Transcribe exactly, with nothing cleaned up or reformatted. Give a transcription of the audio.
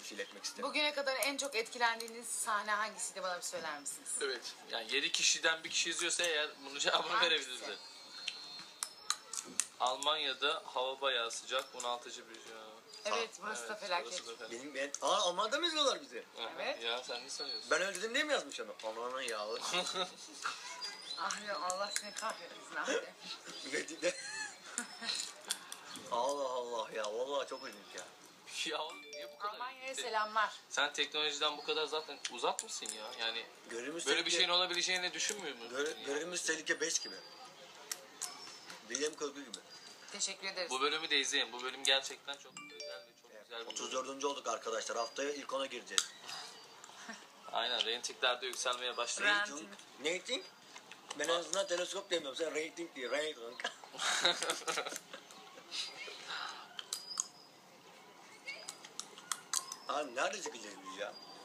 temsil etmek isterim. Bugüne kadar en çok etkilendiğiniz sahne hangisiydi, bana bir söyler misiniz? Evet. Yani yedi kişiden bir kişi izliyorsa eğer bunu cevabını Hangisi? verebilirdi. Almanya'da hava bayağı sıcak. bunaltıcı bir şey. Evet, burası da felaket. burası da felaket. Benim ben... Aa, Alman'da mı izliyorlar bizi? Evet. Ya sen ne sanıyorsun? Ben öyle dedim diye mi yazmış onu? Ananın yağlı. Ahri, Allah seni kahretsin Ahri. Ve de... Allah Allah ya. Vallahi çok ilginç ya. Ya oğlum niye bu kadar? Almanya'ya selamlar. Sen teknolojiden bu kadar zaten uzak mısın ya? Yani Görevimiz böyle bir tehlike- şeyin olabileceğini düşünmüyor musun? Göre, görevimiz tehlike beş gibi. Bilim kurgu gibi. Teşekkür ederiz. Bu bölümü de izleyin. Bu bölüm gerçekten çok özel ve çok güzel bir bölüm. otuz dördüncü olduk arkadaşlar. Haftaya ilk ona gireceğiz. Aynen. Reytingler de yükselmeye başladı. Rating. Rating. Rating? Ben en azından teleskop demiyorum. Sen rating diye. Rating. Abi nerede çıkacağız biz ya?